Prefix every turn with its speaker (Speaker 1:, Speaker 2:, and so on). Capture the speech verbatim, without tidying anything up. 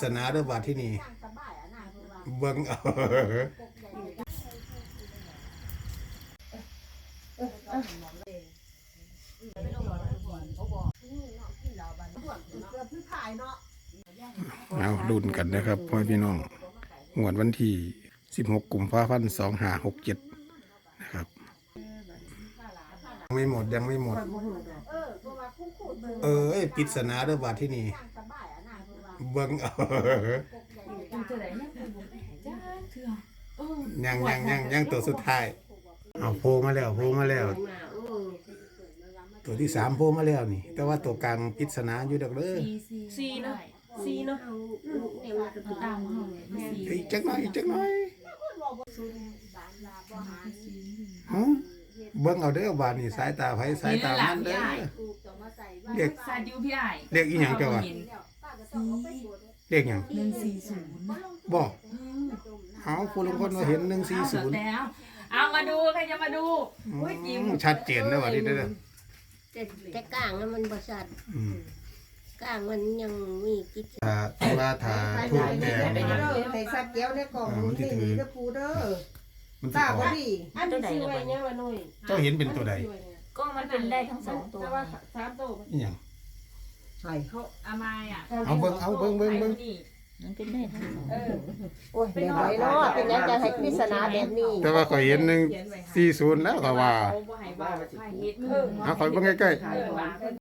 Speaker 1: ศนาเด้อบาดที่นี่เบิ่งเอาเอาลุ้นกันนะครับพ่อพี่น้องงวดวันที่สิบหกกุมภาพันธ์สองห้าหกเจ็ดนะครับไม่หมดยังไม่หมดเออไอ้ปริศนาเด้อบาดที่นี่เบิ่งเอายังยังยังยังตัวสุดท้ายเอาโผล่มาแล้วโผล่มาแล้วตัวที่สามโผล่มาแล้วนี่แต่ว่าตัวกลางปริศนาอยู่ดอกเด้อ
Speaker 2: ซีเนาะซีเนาะตามห้อง
Speaker 1: อีกจักหน่อยอีกจักหน่อยฮะเบิ่งเอาเด้อบาดนี่สายตาไผสายตามันเด้อเรียก
Speaker 2: ซาดิวพี่ไอ้
Speaker 1: เรียกอีหยังเจ้าวะเรียกหยัง
Speaker 2: หนึ่งสี่ศูนย์
Speaker 1: บ่เอาผู้ลงคนมาเห็นหนึ่งสี่ศูนย์
Speaker 2: แล้วเอามาดูใครจะมาดูอุ้ยจิ้ม
Speaker 1: ชัดเจนนะว่าที่เด้อ
Speaker 3: แต่แต่ก้างมันบ่ชัดก้างมันยังมีกิจ
Speaker 1: ถ้าที่ว่าถ้าถูกแดง
Speaker 4: ใส่ซับเกี้ยวในกล่องนี่นี่เด้อปูเด้อ
Speaker 1: มันสิ
Speaker 4: ตา
Speaker 1: ออ
Speaker 4: บ่
Speaker 1: ก
Speaker 4: ดีอันนี้สิไว้เนี่ยว่าน้อย
Speaker 1: เจ้าเห็นเป็นตัวใด
Speaker 2: ก็มันเป็นได้ทั้งสองตัว
Speaker 4: แต่ว่าสามตัว
Speaker 1: อีหยัง
Speaker 4: ใช่
Speaker 2: เขาอามาอ่ะ
Speaker 1: เอาเบิ่งเอาเบิ่งเบิ่งเบิ่ง
Speaker 2: มันเป็นได้ทั้งสอง
Speaker 4: โอ้ยแบบไหนเนาะเป็นยังจะให้ปริศนาแบบนี้
Speaker 1: แต่ว่าข่อยเห็นหนึ่งสี่ศูนย์แล้วก็ว่า
Speaker 2: เขาบ่ให้ว่าให้เฮ็ด
Speaker 1: เอาข่อยเบิ่งใกล้ๆ
Speaker 2: เออ